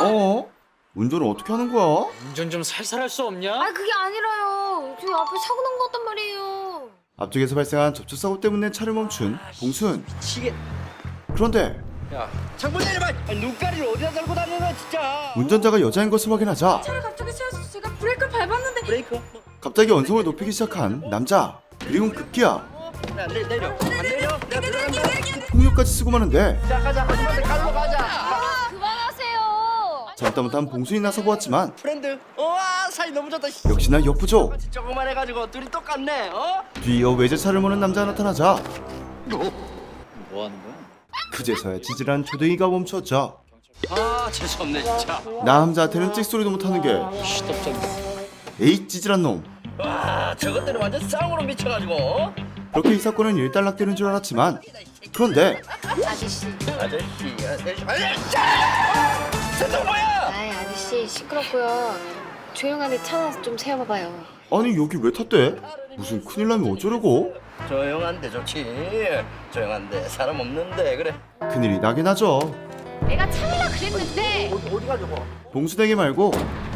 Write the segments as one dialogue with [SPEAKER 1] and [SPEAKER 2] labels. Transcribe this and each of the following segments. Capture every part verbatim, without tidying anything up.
[SPEAKER 1] 어? 운전을 어떻게 하는 거야?
[SPEAKER 2] 운전 좀 살살 할 수 없냐?
[SPEAKER 3] 아 그게 아니라요. 저 앞에 사고 난 거 같단 말이에요.
[SPEAKER 1] 앞쪽에서 발생한 접촉사고 때문에 차를 멈춘 봉순.
[SPEAKER 4] 미치겠.
[SPEAKER 1] 그런데
[SPEAKER 4] 야, 창문 내려봐. 아니, 눈가리를 어디다 달고 다니는 거야, 진짜.
[SPEAKER 1] 운전자가 여자인 것을 확인하자
[SPEAKER 3] 차를 갑자기 세워서 제가 브레이크를 밟았는데
[SPEAKER 4] 브레이크.
[SPEAKER 1] 갑자기 언성을 높이기 시작한 남자. 그리고 급기야
[SPEAKER 4] 야, 내, 내려. 안 내려. 내가 들어간다.
[SPEAKER 1] 폭력까지 쓰고 마는데
[SPEAKER 4] 자, 가자. 아줌마한테 갈로 가자.
[SPEAKER 3] 아 그만하세요.
[SPEAKER 1] 잘못다 못한 봉순이 나서 보았지만
[SPEAKER 4] 프렌드. 와, 사이 너무 좋다.
[SPEAKER 1] 역시나 역부족.
[SPEAKER 4] 조금만 해가지고 둘이 똑같네. 어?
[SPEAKER 1] 뒤이어 외제차를 모는 남자가 나타나자
[SPEAKER 2] 뭐 하는 거야?
[SPEAKER 1] 그제서야 찌질한 조댕이가 멈췄죠.
[SPEAKER 4] 아, 재수없네 진짜.
[SPEAKER 1] 남자한테는 찍소리도 못하는 게
[SPEAKER 2] 시덥잖아.
[SPEAKER 1] 에이 찌질한 놈.
[SPEAKER 4] 와, 저것들은 완전 쌍으로 미쳐가지고. 어?
[SPEAKER 1] 그렇게 이 사건은 일단락되는 줄 알았지만 그런데
[SPEAKER 3] 아저씨.
[SPEAKER 4] 아저씨, 아저씨, 아저씨. 세상 뭐야?
[SPEAKER 3] 아이 아저씨 시끄럽고요. 조용하게 차 좀 세워봐봐요.
[SPEAKER 1] 아니 여기 왜 탔대? 무슨 큰일 나면 어쩌려고?
[SPEAKER 4] 조용한데 좋지. 조용한데 사람 없는데 그래.
[SPEAKER 1] 큰일이 나긴 하죠.
[SPEAKER 3] 내가 참으라 그랬는데.
[SPEAKER 4] 어디 어디 가려고?
[SPEAKER 1] 봉수댕이 말고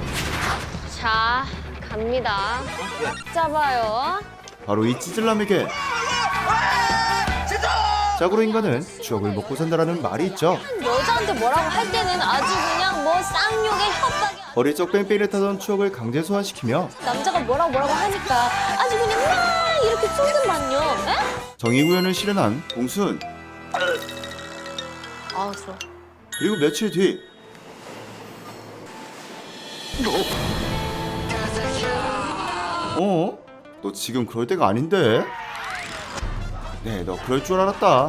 [SPEAKER 3] 자 갑니다. 잡아요.
[SPEAKER 1] 바로 이 찌질남에게 자고로 인간은 추억을 먹고 산다라는 말이 있죠.
[SPEAKER 3] 여자한테 뭐라고 할 때는 아주 그냥 뭐 쌍욕에 협박이.
[SPEAKER 1] 어릴 적 뺑뺑이를 타던 추억을 강제 소환시키며
[SPEAKER 3] 남자가 뭐라고 뭐라고 하니까 아주 그냥 막 이렇게 쏟은만요. 에?
[SPEAKER 1] 정의구현을 실현한 봉순.
[SPEAKER 3] 아우 좋아.
[SPEAKER 1] 그리고 며칠 뒤 어? 너 지금 그럴 때가 아닌데? 네, 너 그럴 줄 알았다.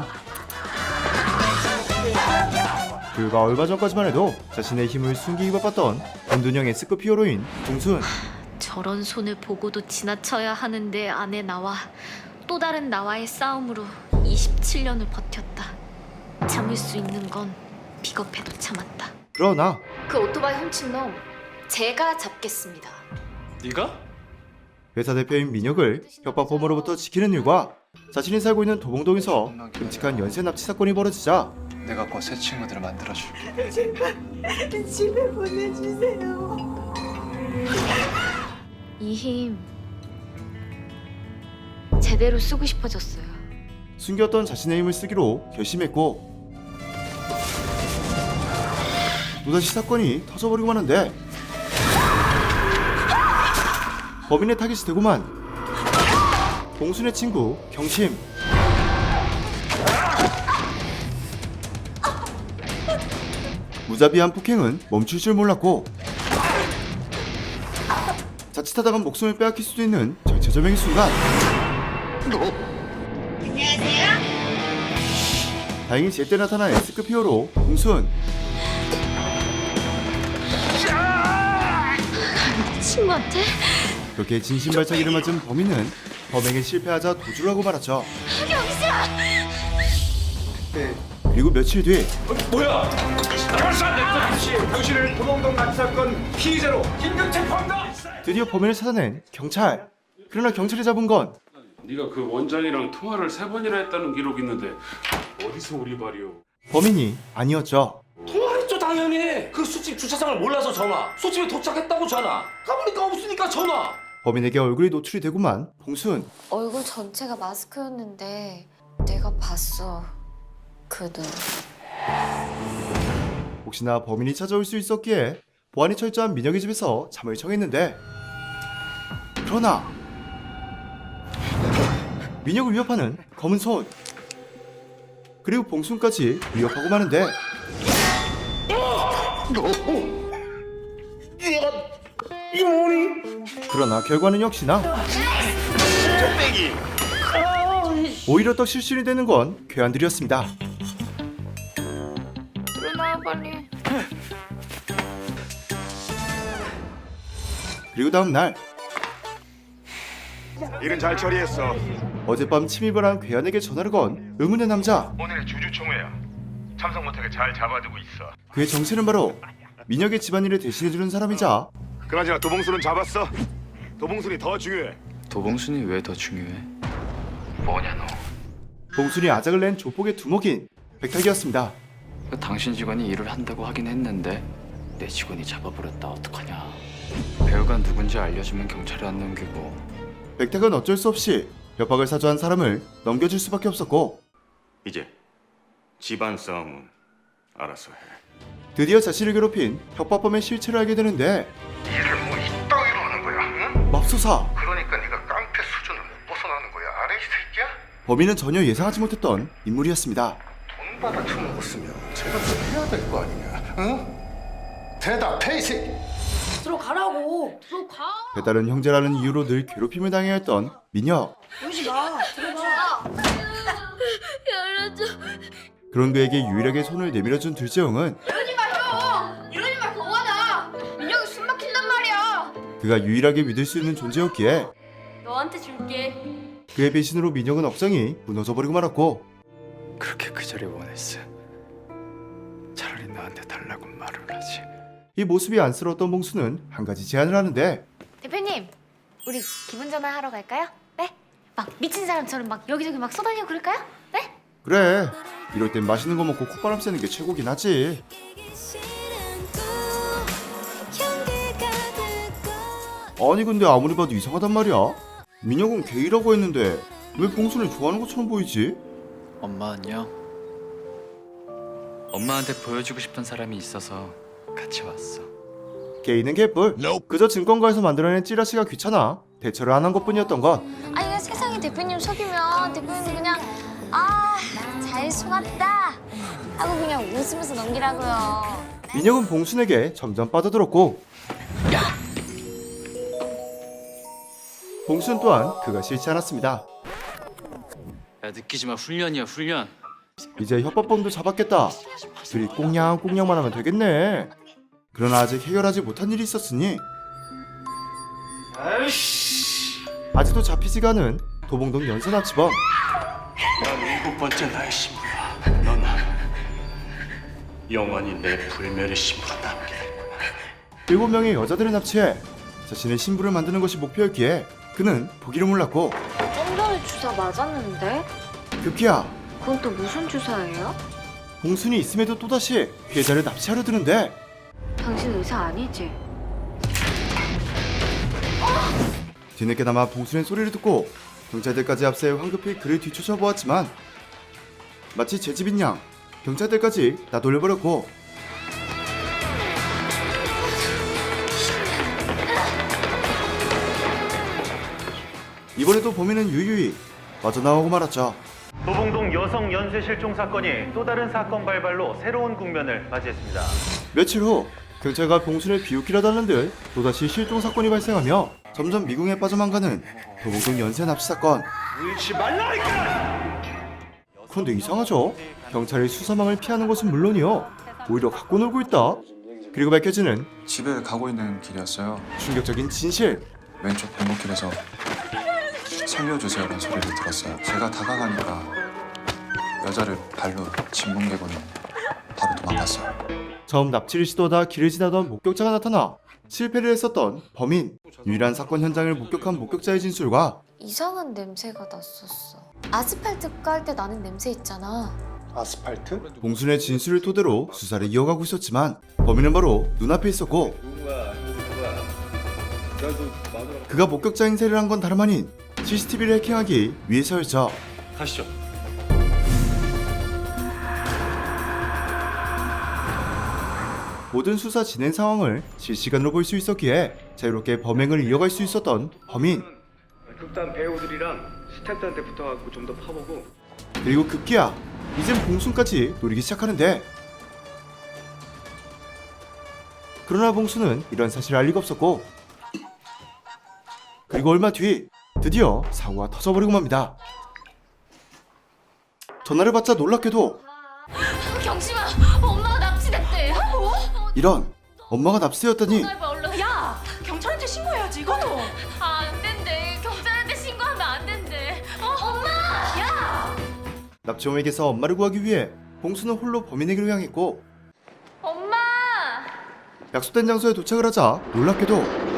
[SPEAKER 1] 불과 얼마 전까지만 해도 자신의 힘을 숨기기 바빴던 은둔형 S급 히어로인 봉순.
[SPEAKER 5] 저런 손을 보고도 지나쳐야 하는데 안에 나와 또 다른 나와의 싸움으로 이십칠 년을 버텼다. 참을 수 있는 건 비겁해도 참았다.
[SPEAKER 1] 그러나
[SPEAKER 5] 그 오토바이 훔친 놈 제가 잡겠습니다.
[SPEAKER 2] 네가?
[SPEAKER 1] 회사 대표인 민혁을 협박범으로부터 지키는 일과 자신이 살고 있는 도봉동에서 끔찍한 연쇄 납치 사건이 벌어지자
[SPEAKER 6] 내가 곧 새 친구들을 만들어줄게.
[SPEAKER 7] 집에 보내주세요.
[SPEAKER 5] 이 힘 제대로 쓰고 싶어졌어요.
[SPEAKER 1] 숨겼던 자신의 힘을 쓰기로 결심했고 또다시 사건이 터져버리고 마는데 범인의 타깃이 되고만 봉순의 친구 경심. 무자비한 폭행은 멈출 줄 몰랐고 자칫하다가 목숨을 빼앗길 수도 있는 절체절명의 순간. 안녕하세요. 다행히 제때 나타난 S급 히어로 봉순.
[SPEAKER 5] 친구한테?
[SPEAKER 1] 그렇게 진심발차기를 맞은 범인은 범행에 실패하자 도주를 하고 말았죠. 네. 그리고 며칠 뒤
[SPEAKER 8] 뭐야? 당신을 도봉동 납치 사건 피의자로 긴급 체포한다.
[SPEAKER 1] 드디어 범인을 찾아낸 경찰. 그러나 경찰이 잡은 건
[SPEAKER 9] 네가 그 원장이랑 통화를 세 번이나 했다는 기록이 있는데 어디서 우리 발이요?
[SPEAKER 1] 범인이 아니었죠.
[SPEAKER 8] 통화했죠 당연히. 그 술집 주차장을 몰라서 전화. 술집에 도착했다고 전화. 가보니까 없으니까 전화.
[SPEAKER 1] 범인에게 얼굴이 노출이 되고만 봉순.
[SPEAKER 3] 얼굴 전체가 마스크였는데 내가 봤어 그 눈.
[SPEAKER 1] 혹시나 범인이 찾아올 수 있었기에 보안이 철저한 민혁의 집에서 잠을 청했는데 그러나 민혁을 위협하는 검은 손 그리고 봉순까지 위협하고 마는데
[SPEAKER 8] 이 뭐니?
[SPEAKER 1] 그러나 결과는 역시나 오히려 더 실신이 되는 건 괴한들이었습니다.
[SPEAKER 3] 일어나 빨리.
[SPEAKER 1] 그리고 다음 날
[SPEAKER 8] 일은 잘 처리했어.
[SPEAKER 1] 어젯밤 침입을 한 괴한에게 전화를 건 의문의 남자.
[SPEAKER 8] 오늘 주주총회야. 참석 못하게 잘 잡아두고 있어.
[SPEAKER 1] 그의 정체는 바로 민혁의 집안일을 대신해주는 사람이자
[SPEAKER 8] 그나저나 도봉순은 잡았어? 도봉순이 더 중요해.
[SPEAKER 6] 도봉순이 왜 더 중요해?
[SPEAKER 8] 뭐냐 너?
[SPEAKER 1] 봉순이 아작을 낸 조폭의 두목인 백탁이었습니다.
[SPEAKER 6] 당신 직원이 일을 한다고 하긴 했는데 내 직원이 잡아버렸다. 어떡하냐. 배우가 누군지 알려주면 경찰에 안 넘기고.
[SPEAKER 1] 백탁은 어쩔 수 없이 협박을 사주한 사람을 넘겨줄 수밖에 없었고
[SPEAKER 10] 이제 집안 싸움은 알아서 해.
[SPEAKER 1] 드디어 자신을 괴롭힌 협박범의 실체를 알게 되는데
[SPEAKER 11] 일을 뭐 이따위로 하는 거야, 응?
[SPEAKER 1] 맙소사!
[SPEAKER 11] 그러니까 네가 깡패 수준을 못 벗어나는 거야, 알아 이 새끼야?
[SPEAKER 1] 범인은 전혀 예상하지 못했던 인물이었습니다.
[SPEAKER 11] 돈 받아 처먹었으면 제가 좀 해야 될 거 아니냐, 응? 대답해 이 새끼.
[SPEAKER 7] 들어가라고. 들어가.
[SPEAKER 1] 배다른 형제라는 이유로 늘 괴롭힘을 당해야 했던 민혁.
[SPEAKER 7] 오지 마. 들어가.
[SPEAKER 5] 열어줘.
[SPEAKER 1] 그런 그에게 유일하게 손을 내밀어준 둘째형은
[SPEAKER 5] 이러지 마 형. 이러지 마 고마다. 민혁이 숨 막힌단 말이야.
[SPEAKER 1] 그가 유일하게 믿을 수 있는 존재였기에
[SPEAKER 5] 너한테 줄게.
[SPEAKER 1] 그의 배신으로 민혁은 억장이 무너져버리고 말았고
[SPEAKER 6] 그렇게 그 자리 원했어. 차라리 나한테 달라고 말을 하지.
[SPEAKER 1] 이 모습이 안쓰러웠던 봉수는 한 가지 제안을 하는데
[SPEAKER 5] 대표님, 우리 기분 전환 하러 갈까요? 네? 막 미친 사람처럼 막 여기저기 막 쏘다니고 그럴까요? 네?
[SPEAKER 1] 그래 이럴 땐 맛있는 거 먹고 콧바람 쐬는 게 최고긴 하지. 아니 근데 아무리 봐도 이상하단 말이야. 민혁은 게이라고 했는데 왜 봉수를 좋아하는 것처럼 보이지?
[SPEAKER 6] 엄마 안녕. 엄마한테 보여주고 싶은 사람이 있어서 같이 왔어.
[SPEAKER 1] 게이는 개뿔. 그저 증권가에서 만들어낸 찌라시가 귀찮아 대처를 안 한 것뿐이었던 것.
[SPEAKER 3] 아니 그냥 세상에 대표님 속이면 대표님 그냥 아 잘 속았다 하고 그냥 웃으면서 넘기라고요.
[SPEAKER 1] 민혁은 봉순에게 점점 빠져들었고 봉순 또한 그가 싫지 않았습니다.
[SPEAKER 6] 야 느끼지 마. 훈련이야 훈련.
[SPEAKER 1] 이제 협박범도 잡았겠다. 둘이 꽁냥꽁냥만 하면 되겠네. 그러나 아직 해결하지 못한 일이 있었으니 아직도 잡히지가 않은 도봉동 연쇄 납치범.
[SPEAKER 10] 난 일곱 번째 나의 신부야. 넌 영원히 내 불멸의 신부로 남게 될 거야.
[SPEAKER 1] 일곱 명의 여자들을 납치해 자신의 신부를 만드는 것이 목표였기에 그는 포기를 몰랐고
[SPEAKER 3] 좀 전에 주사 맞았는데?
[SPEAKER 1] 급기야
[SPEAKER 3] 그건 또 무슨 주사예요?
[SPEAKER 1] 봉순이 있음에도 또다시 피해자를 납치하려 드는데
[SPEAKER 3] 당신 의사 아니지?
[SPEAKER 1] 뒤늦게나마 봉순의 소리를 듣고 경찰들까지 앞세 황급히 그를 뒤쫓아 보았지만 마치 제 집인 양 경찰들까지 나돌려버렸고 이번에도 범인은 유유히 빠져나오고 말았죠.
[SPEAKER 12] 도봉동 여성 연쇄 실종 사건이 또 다른 사건 발발로 새로운 국면을 맞이했습니다.
[SPEAKER 1] 며칠 후 경찰과 봉순을 비웃기려다 하는 듯 또다시 실종 사건이 발생하며 점점 미궁에 빠져만 가는 도봉동 연쇄 납치 사건.
[SPEAKER 12] 울지 말라니까!
[SPEAKER 1] 그런데 이상하죠? 경찰이 수사망을 피하는 것은 물론이요 오히려 갖고 놀고 있다. 그리고 밝혀지는
[SPEAKER 6] 집에 가고 있는 길이었어요.
[SPEAKER 1] 충격적인 진실.
[SPEAKER 6] 왼쪽 골목길에서 살려주세요라는 소리를 들었어요. 제가 다가가니까 여자를 발로 짓뭉개고는 바로 도망갔어요.
[SPEAKER 1] 처음 납치를 시도하다 길을 지나던 목격자가 나타나 실패를 했었던 범인. 유일한 사건 현장을 목격한 목격자의 진술과
[SPEAKER 3] 이상한 냄새가 났었어. 아스팔트 깔 때 나는 냄새 있잖아.
[SPEAKER 11] 아스팔트?
[SPEAKER 1] 봉순의 진술을 토대로 수사를 이어가고 있었지만 범인은 바로 눈앞에 있었고 그가 목격자 행세를 한 건 다름 아닌 씨씨티비를 해킹하기 위해서였죠.
[SPEAKER 10] 가시죠.
[SPEAKER 1] 모든 수사 진행 상황을 실시간으로 볼 수 있었기에 자유롭게 범행을 이어갈 수 있었던 범인.
[SPEAKER 12] 극단 배우들이랑 스태프들한테 붙어갖고 좀 더 파보고.
[SPEAKER 1] 그리고 급기야 이젠 봉순까지 노리기 시작하는데 그러나 봉순은 이런 사실을 알 리가 없었고 그리고 얼마 뒤 드디어 사고가 터져버리고 맙니다. 전화를 받자 놀랍게도
[SPEAKER 5] 경심아, 엄마가 납치됐대.
[SPEAKER 1] 이런 엄마가 납치되었다니.
[SPEAKER 7] 야 경찰한테 신고해야지 이거도.
[SPEAKER 5] 아, 안 된대. 경찰한테 신고하면 안 된대. 어, 엄마! 야!
[SPEAKER 1] 납치범에게서 엄마를 구하기 위해 봉수는 홀로 범인에게로 향했고
[SPEAKER 5] 엄마!
[SPEAKER 1] 약속된 장소에 도착을 하자 놀랍게도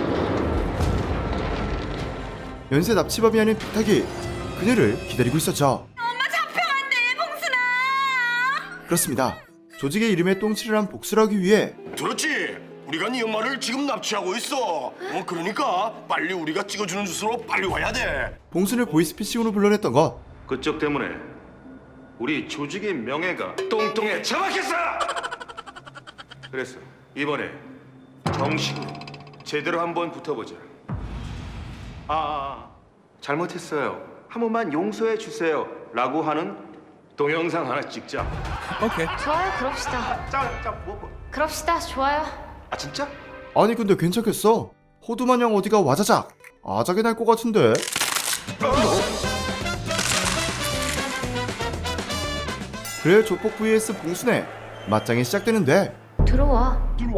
[SPEAKER 1] 연쇄 납치범이 아닌 백탁이 그녀를 기다리고 있었죠.
[SPEAKER 7] 엄마 잡혀간대 봉순아.
[SPEAKER 1] 그렇습니다. 조직의 이름에 똥칠을 한 복수를 하기 위해
[SPEAKER 10] 들었지? 우리가 네 엄마를 지금 납치하고 있어. 어, 그러니까 빨리 우리가 찍어주는 주소로 빨리 와야 돼.
[SPEAKER 1] 봉순을 보이스피싱으로 불러냈던 것.
[SPEAKER 8] 그쪽 때문에 우리 조직의 명예가 똥똥에 처박혔어. 그래서 이번에 정식으로 제대로 한번 붙어보자. 아, 아, 아 잘못했어요. 한 번만 용서해 주세요. 라고 하는 동영상 하나 찍자.
[SPEAKER 5] 좋아요, 그럽시다.
[SPEAKER 8] 짜, 짜, 뭐, 뭐.
[SPEAKER 5] 그럽시다, 좋아요.
[SPEAKER 8] 아 진짜?
[SPEAKER 1] 아니 근데 괜찮겠어? 호두마냥 어디가 와자작 아작이 날 것 같은데. 그래 조폭 vs 봉순의 맞짱이 시작되는데
[SPEAKER 5] 들어와.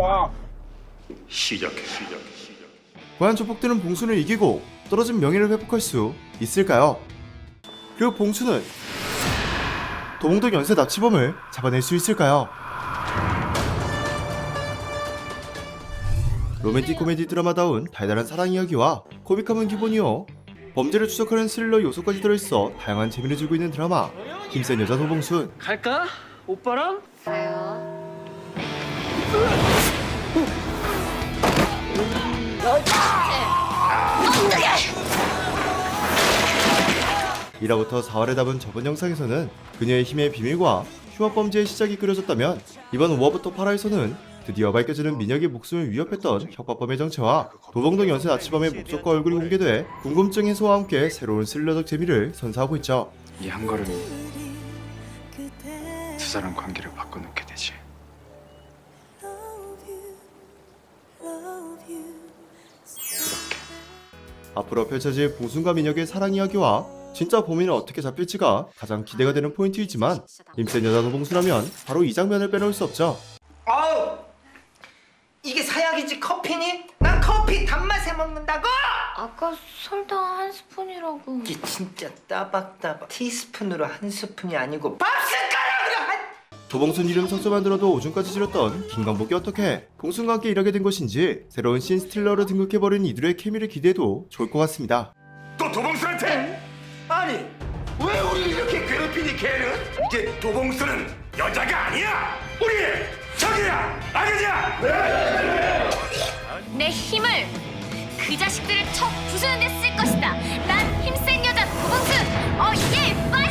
[SPEAKER 8] 시작해, 시작해, 시작.
[SPEAKER 1] 과연 조폭들은 봉순을 이기고 떨어진 명예를 회복할 수 있을까요? 그리고 봉순은 도봉동 연쇄 납치범을 잡아낼 수 있을까요? 로맨틱 코미디 드라마다운 달달한 사랑 이야기와 코믹함은 기본이요, 범죄를 추적하는 스릴러 요소까지 들어있어 다양한 재미를 주고 있는 드라마 힘센 여자 도봉순.
[SPEAKER 2] 갈까? 오빠랑?
[SPEAKER 5] 가요.
[SPEAKER 1] 일화부터 사활에 담은 저번 영상에서는 그녀의 힘의 비밀과 흉악범죄의 시작이 그려졌다면 이번 오화부터 팔화에서는 드디어 밝혀지는 민혁의 목숨을 위협했던 협박범의 정체와 도봉동 연쇄 납치범의 목적과 얼굴이 공개돼 궁금증 해소와 함께 새로운 스릴러적 재미를 선사하고 있죠.
[SPEAKER 6] 이 한 걸음이 두 사람 관계를 바꿔놓게 되지. 이렇게.
[SPEAKER 1] 앞으로 펼쳐질 봉순과 민혁의 사랑 이야기와 진짜 범인은 어떻게 잡힐지가 가장 기대가 되는 포인트이지만 힘센 여자 도봉순하면 바로 이 장면을 빼놓을 수 없죠.
[SPEAKER 4] 아우, 이게 사약이지 커피니? 난 커피 단맛에 먹는다고!
[SPEAKER 5] 아까 설탕 한 스푼이라고.
[SPEAKER 4] 이게 진짜 따박따박 티스푼으로 한 스푼이 아니고 밥 숟가락으로 한...
[SPEAKER 1] 도봉순 이름 석조만 들어도 오줌까지 지렸던 김광복이 어떻게 봉순과 함께 일하게 된 것인지 새로운 신 스틸러로 등극해버린 이들의 케미를 기대해도 좋을 것 같습니다.
[SPEAKER 10] 또 도봉순한테? 아니 왜 우리를 이렇게 괴롭히니 걔는? 이제 도봉순은 여자가 아니야. 우리 적이야. 알겠냐?
[SPEAKER 5] 내 힘을 그 자식들을 쳐 부수는 데 쓸 것이다. 난 힘센 여자 도봉순. 어, 예, 파이팅!